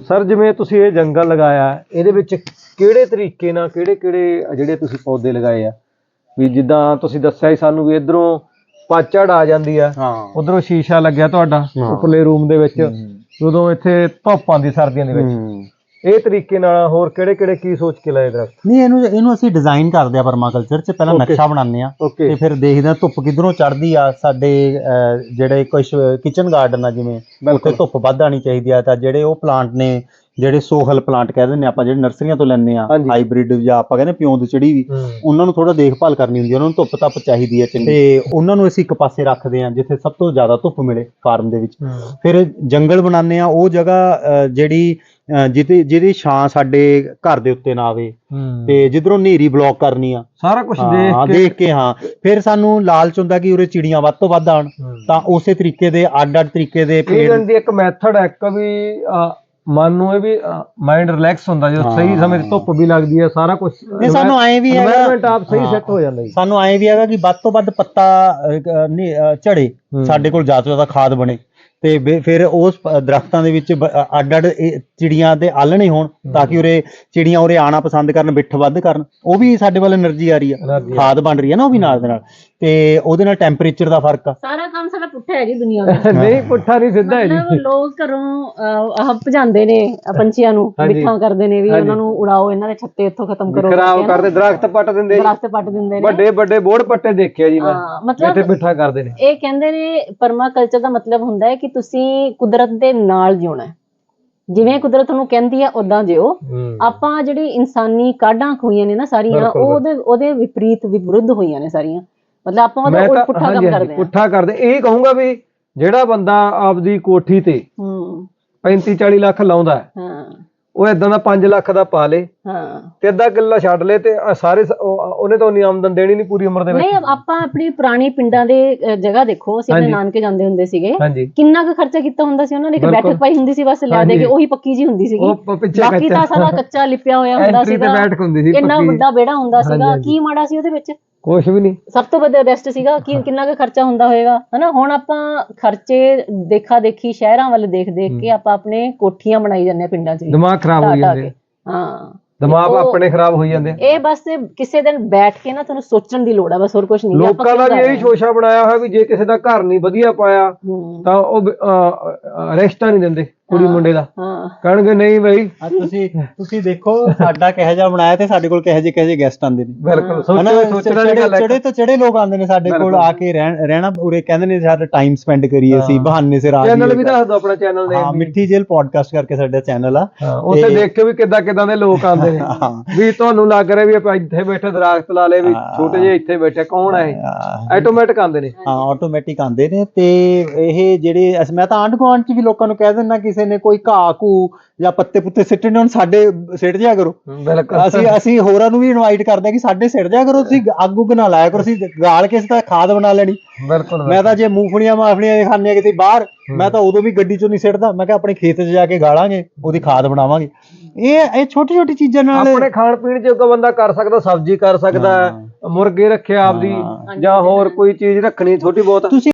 Sir ਜਿਵੇਂ ਤੁਸੀਂ ਇਹ ਜੰਗਲ ਲਗਾਇਆ, ਇਹਦੇ ਵਿੱਚ ਕਿਹੜੇ ਤਰੀਕੇ ਨਾਲ ਕਿਹੜੇ ਜਿਹੜੇ ਤੁਸੀਂ ਪੌਦੇ ਲਗਾਏ ਆ? ਵੀ ਜਿੱਦਾਂ ਤੁਸੀਂ ਦੱਸਿਆ ਸੀ ਸਾਨੂੰ ਵੀ ਇਧਰੋਂ ਪਤਝੜ ਆ ਜਾਂਦੀ ਆ, ਉਧਰੋਂ ਸ਼ੀਸ਼ਾ ਲੱਗਿਆ ਤੁਹਾਡਾ ਉੱਪਰਲੇ ਰੂਮ ਦੇ ਵਿੱਚ, ਉਦੋਂ ਇੱਥੇ ਧੁੱਪ ਆਉਂਦੀ ਸਰਦੀਆਂ ਦੇ ਵਿੱਚ। ਇਹ ਤਰੀਕੇ ਨਾਲ ਹੋਰ ਕਿਹੜੇ ਕੀ ਸੋਚ ਕੇ ਲਾਏ ਦਰਖਤ? ਨਹੀਂ, ਇਹਨੂੰ ਅਸੀਂ ਡਿਜ਼ਾਈਨ ਕਰਦੇ ਆ ਪਰਮਾਕਲਚਰ ਚ। ਪਹਿਲਾਂ ਨਕਸ਼ਾ ਬਣਾਉਂਦੇ ਆ ਤੇ ਫਿਰ ਦੇਖਦੇ ਆ ਧੁੱਪ ਕਿੱਧਰੋਂ ਚੜ੍ਹਦੀ ਆ। ਸਾਡੇ ਜਿਹੜੇ ਕੁਝ ਕਿਚਨ ਗਾਰਡਨ ਆ, ਜਿਵੇਂ ਉੱਥੇ ਧੁੱਪ ਵੱਧ ਆਣੀ ਚਾਹੀਦੀ ਆ, ਤਾਂ ਜਿਹੜੇ ਉਹ ਪਲਾਂਟ ਨੇ, ਜਿਹੜੇ ਸੋਹਲ ਪਲਾਂਟ ਕਹਿ ਦਿੰਦੇ ਆਪਾਂ, ਜਿਹੜੇ ਨਰਸਰੀਆਂ ਤੋਂ ਲੈਂਦੇ ਆ, ਹਾਈਬ੍ਰਿਡ ਜਾਂ ਆਪਾਂ ਕਹਿੰਦੇ ਪਿਓਂਦ ਚੜੀ ਵੀ, ਉਹਨਾਂ ਨੂੰ ਥੋੜਾ ਦੇਖਭਾਲ ਕਰਨੀ ਹੁੰਦੀ ਹੈ, ਉਹਨਾਂ ਨੂੰ ਧੁੱਪ ਤੱਪ ਚਾਹੀਦੀ ਹੈ ਚੰਗੀ, ਤੇ ਉਹਨਾਂ ਨੂੰ ਅਸੀਂ ਇੱਕ ਪਾਸੇ ਰੱਖਦੇ ਆ ਜਿੱਥੇ ਸਭ ਤੋਂ ਜ਼ਿਆਦਾ ਧੁੱਪ ਮਿਲੇ ਫਾਰਮ ਦੇ ਵਿੱਚ। ਫਿਰ ਜੰਗਲ ਬਣਾਉਂਦੇ ਆ ਉਹ ਜਗ੍ਹਾ ਜਿਹੜੀ ਜਿਹਦੀ ਛਾਂ ਸਾਡੇ ਘਰ ਦੇ ਉੱਤੇ ਨਾ ਆਵੇ, ਤੇ ਜਿੱਧਰੋਂ ਹਨੇਰੀ ਬਲੌਕ ਕਰਨੀ ਆ, ਸਾਰਾ ਕੁਝ ਦੇਖ ਕੇ। ਫਿਰ ਸਾਨੂੰ ਲਾਲਚ ਹੁੰਦਾ ਕਿ ਉਰੇ ਚਿੜੀਆਂ ਵੱਧ ਤੋਂ ਵੱਧ ਆਉਣ, ਤਾਂ ਉਸੇ ਤਰੀਕੇ ਦੇ ਅੱਡ ਤਰੀਕੇ ਦੇ ਇੱਕ ਮੈਥਡ ਹੈ ਇੱਕ ਵੀ ਮਨ ਨੂੰ ਇਹ ਵੀ ਮਾਈਂਡ ਰਿਲੈਕਸ ਹੁੰਦਾ ਜਦੋਂ ਸਹੀ ਸਮੇਂ ਤੇ ਧੁੱਪ ਵੀ ਲੱਗਦੀ ਹੈ, ਸਾਰਾ ਕੁਝ। ਸਾਨੂੰ ਐਂ ਵੀ ਹੈਗਾ ਸਹੀ ਸੈੱਟ ਹੋ ਜਾਂਦਾ। ਸਾਨੂੰ ਐਂ ਵੀ ਹੈਗਾ ਕਿ ਵੱਧ ਤੋਂ ਵੱਧ ਪੱਤਾ ਝੜੇ, ਸਾਡੇ ਕੋਲ ਜ਼ਿਆਦਾ ਤੋਂ ਜ਼ਿਆਦਾ ਖਾਦ ਬਣੇ, ਤੇ ਫਿਰ ਉਸ ਦਰਖਤਾਂ ਦੇ ਵਿੱਚ ਅੱਡ ਚਿੜੀਆਂ ਦੇ ਆਲਣੇ ਹੋਣ, ਤਾਂ ਕਿ ਉਰੇ ਚਿੜੀਆਂ ਉਰੇ ਆਉਣਾ ਪਸੰਦ ਕਰਨ, ਬਿੱਠ ਵੱਧ ਕਰਨ। ਉਹ ਵੀ ਸਾਡੇ ਵੱਲ એનર્ਜੀ ਆ ਰਹੀ ਆ, ਖਾਦ ਬਣ ਰਹੀ ਹੈ ਨਾ ਉਹ ਵੀ ਨਾਲ ਦੇ ਨਾਲ, ਤੇ ਉਹਦੇ ਨਾਲ ਟੈਂਪਰੇਚਰ ਦਾ ਫਰਕ ਆ। ਸਾਰਾ ਕੰਮ ਸਾਡਾ ਪੁੱਠਾ ਹੈ ਜੀ ਦੁਨੀਆ ਦਾ। ਨਹੀਂ, ਪੁੱਠਾ ਨਹੀਂ, ਸਿੱਧਾ ਹੈ ਜੀ। ਲੋਕ ਘਰੋਂ ਭਜਾਉਂਦੇ ਨੇ ਪੰਛੀਆਂ ਨੂੰ, ਬਿੱਠਾਂ ਕਰਦੇ ਨੇ ਵੀ ਉਹਨਾਂ ਨੂੰ ਉਡਾਓ, ਇਹਨਾਂ ਦੇ ਛੱਤੇ ਇੱਥੋਂ ਖਤਮ ਕਰੋ, ਖਰਾਬ ਕਰਦੇ, ਦਰਖਤ ਪੱਟ ਦਿੰਦੇ ਨੇ, ਵੱਡੇ ਬੋੜ ਪੱਟੇ ਦੇਖਿਆ ਜੀ ਮੈਂ, ਇੱਥੇ ਬਿੱਠਾ ਕਰਦੇ ਨੇ। ਇਹ ਕਹਿੰਦੇ ਨੇ ਪਰਮਾਕਲਚਰ ਦਾ ਮਤਲਬ ਹੁੰਦਾ ਹੈ ਕਿ ਤੁਸੀਂ ਕੁਦਰਤ ਦੇ ਨਾਲ ਜਿਉਣਾ, ਜਿਵੇਂ ਕੁਦਰਤ ਨੂੰ ਕਹਿੰਦੀ ਆ ਉਦਾਂ ਜਿਓ। ਆਪਾਂ ਜਿਹੜੀ ਇਨਸਾਨੀ ਕਾਢਾਂ ਹੋਈਆਂ ਨੇ ਨਾ ਸਾਰੀਆਂ, ਉਹਦੇ ਵਿਰੁੱਧ ਹੋਈਆਂ ਨੇ ਸਾਰੀਆਂ, ਮਤਲਬ ਆਪਾਂ ਉਹਦਾ ਪੁੱਠਾ ਕੰਮ ਕਰਦੇ ਆ। ਪੁੱਠਾ ਕਰਦੇ। ਇਹ ਕਹੂੰਗਾ ਵੀ ਜਿਹੜਾ ਬੰਦਾ ਆਪਦੀ ਕੋਠੀ ਤੇ 35-40 ਲੱਖ ਲਾਉਂਦਾ ਹੈ, ਉਹ ਏਦਾਂ ਦਾ 5 ਲੱਖ ਦਾ ਪਾ ਲੇ ਤੇ ਅੱਧਾ ਕਿੱਲਾ ਛੱਡ ਲੇ, ਤੇ ਸਾਰੇ ਉਹਨੇ ਤਾਂ ਉਨੀ ਆਮਦਨ ਦੇਣੀ ਨਹੀਂ ਪੂਰੀ ਉਮਰ ਦੇ ਵਿੱਚ। ਨਹੀਂ, ਆਪਾਂ ਆਪਣੀ ਪੁਰਾਣੀ ਪਿੰਡਾਂ ਦੇ ਜਗ੍ਹਾ ਦੇਖੋ, ਅਸੀਂ ਆਪਣੇ ਨਾਨਕੇ ਜਾਂਦੇ ਹੁੰਦੇ ਸੀਗੇ, ਕਿੰਨਾ ਕੁ ਖਰਚਾ ਕੀਤਾ ਹੁੰਦਾ ਸੀ ਉਹਨਾਂ ਨੇ। ਇੱਕ ਬੈਠਕ ਪਾਈ ਹੁੰਦੀ ਸੀ ਬਸ ਲਿਆ ਦੇ ਕੇ, ਉਹੀ ਪੱਕੀ ਜੀ ਹੁੰਦੀ ਸੀਗੀ, ਬਾਕੀ ਤਾਂ ਸਾਰਾ ਕੱਚਾ ਲਿਪਿਆ ਹੋਇਆ ਹੁੰਦਾ ਸੀਗਾ, ਇੰਨਾ ਵੱਡਾ ਵਿਹੜਾ ਹੁੰਦਾ ਸੀਗਾ। ਕੀ ਮਾੜਾ ਸੀ ਉਹਦੇ ਵਿੱਚ? ਕੁਛ ਵੀ ਨਹੀਂ, ਸਭ ਤੋਂ ਵੱਡਾ ਬੈਸਟ ਸੀਗਾ। ਕਿੰਨਾ ਕੁ ਖਰਚਾ ਹੁੰਦਾ ਹੋਏਗਾ, ਹਨਾ। ਹੁਣ ਆਪਾਂ ਖਰਚੇ ਦੇਖਾ ਦੇਖੀ ਸ਼ਹਿਰਾਂ ਵੱਲ ਦੇਖ ਕੇ ਆਪਾਂ ਆਪਣੇ ਕੋਠੀਆਂ ਬਣਾਈ ਜਾਂਦੇ ਆ ਪਿੰਡਾਂ 'ਚ, ਦਿਮਾਗ ਖਰਾਬ ਹੋ ਜਾਂਦੇ। ਦਿਮਾਗ ਆਪਣੇ ਖਰਾਬ ਹੋਈ ਜਾਂਦੇ। ਇਹ ਬਸ ਕਿਸੇ ਦਿਨ ਬੈਠ ਕੇ ਨਾ ਤੁਹਾਨੂੰ ਸੋਚਣ ਦੀ ਲੋੜ ਆ, ਬਸ ਹੋਰ ਕੁਝ ਨਹੀਂ। ਲੋਕਾਂ ਦਾ ਵੀ ਇਹੀ ਸ਼ੋਸ਼ਾ ਬਣਾਇਆ ਹੋਇਆ ਵੀ ਜੇ ਕਿਸੇ ਦਾ ਘਰ ਨਹੀਂ ਵਧੀਆ ਪਾਇਆ ਤਾਂ ਉਹ ਰਿਸ਼ਤਾ ਨਹੀਂ ਦਿੰਦੇ ਕੁੜੀ ਮੁੰਡੇ ਦਾ, ਕਹਿਣਗੇ ਨਹੀਂ ਬਈ। ਤੁਸੀਂ ਦੇਖੋ ਸਾਡਾ ਕਿਹੋ ਜਿਹਾ ਬਣਾਇਆ ਤੇ ਸਾਡੇ ਕੋਲ ਕਿਹੋ ਜਿਹੇ ਗੈਸਟ ਆਉਂਦੇ ਨੇ। ਬਿਲਕੁਲ, ਚੜੇ ਤੋਂ ਚੜੇ ਲੋਕ ਆਉਂਦੇ ਨੇ ਸਾਡੇ ਕੋਲ ਆ ਕੇ ਰਹਿਣਾ, ਉਰੇ ਕਹਿੰਦੇ ਨੇ ਸਾਡਾ ਟਾਈਮ ਸਪੈਂਡ ਕਰੀਏ ਅਸੀਂ ਬਹਾਨੇ ਸਿਰ। ਚੈਨਲ ਵੀ ਦੱਸ ਦਿਓ ਆਪਣਾ ਚੈਨਲ ਦੇ। ਮਿੱਠੀ ਜੇਲ ਪੋਡਕਾਸਟ ਕਰਕੇ ਸਾਡਾ ਚੈਨਲ ਆ, ਉੱਥੇ ਦੇਖਿਓ ਵੀ ਕਿੱਦਾਂ ਦੇ ਲੋਕ ਆਉਂਦੇ ਨੇ। ਵੀ ਤੁਹਾਨੂੰ ਲੱਗ ਰਿਹਾ ਵੀ ਆਪਾਂ ਇੱਥੇ ਬੈਠੇ ਦਰਖਤ ਲਾ ਲਏ, ਵੀ ਛੋਟੇ ਜਿਹੇ ਇੱਥੇ ਬੈਠੇ, ਕੌਣ ਹੈ ਇਹ? ਆਟੋਮੈਟਿਕ ਆਉਂਦੇ ਨੇ। ਹਾਂ, ਆਟੋਮੈਟਿਕ ਆਉਂਦੇ ਨੇ। ਤੇ ਇਹ ਜਿਹੜੇ ਮੈਂ ਤਾਂ ਆਂਢ ਗੁਆਂਢ 'ਚ ਵੀ ਲੋਕਾਂ ਨੂੰ ਕਹਿ ਦਿੰਦਾ, ਕਿਸੇ ਨੇ ਕੋਈ ਘਾਹ ਘੂ ਜਾਂ ਪੱਤੇ ਪੁੱਤੇ ਸਿੱਟਣੇ ਹੁਣ ਸਾਡੇ ਸਿੱਟ ਜਿਆ ਕਰੋ। ਅਸੀਂ ਹੋਰਾਂ ਨੂੰ ਵੀ ਇਨਵਾਈਟ ਕਰਦੇ ਕਿ ਸਾਡੇ ਸਿੱਟ ਜਿਆ ਕਰੋ, ਤੁਸੀਂ ਅੱਗ ਉੱਗ ਨਾ ਲਾਇਆ ਕਰੋ, ਅਸੀਂ ਗਾਲ ਕੇ ਤਾਂ ਖਾਦ ਬਣਾ ਲੈਣੀ। ਮੈਂ ਤਾਂ ਜੇ ਮੂੰਗਫਲੀਆਂ ਮਾਫਲੀਆਂ ਖਾਂਦੇ ਆ ਕਿਤੇ ਬਾਹਰ, ਮੈਂ ਤਾਂ ਉਦੋਂ ਵੀ ਗੱਡੀ ਚੋਂ ਨਹੀਂ ਸਿੱਟਦਾ, ਮੈਂ ਕਿਹਾ ਆਪਣੇ ਖੇਤ 'ਚ ਜਾ ਕੇ ਗਾਲਾਂਗੇ, ਉਹਦੀ ਖਾਦ ਬਣਾਵਾਂਗੇ। ਇਹ ਛੋਟੀ ਛੋਟੀ ਚੀਜ਼ਾਂ ਨਾਲ ਆਪਣੇ ਖਾਣ ਪੀਣ ਜੋਗਾ ਬੰਦਾ ਕਰ ਸਕਦਾ, ਸਬਜ਼ੀ ਕਰ ਸਕਦਾ, ਮੁਰਗੇ ਰੱਖਿਆ ਆਪਦੀ, ਜਾਂ ਹੋਰ ਕੋਈ ਚੀਜ਼ ਰੱਖਣੀ ਛੋਟੀ ਬਹੁਤ।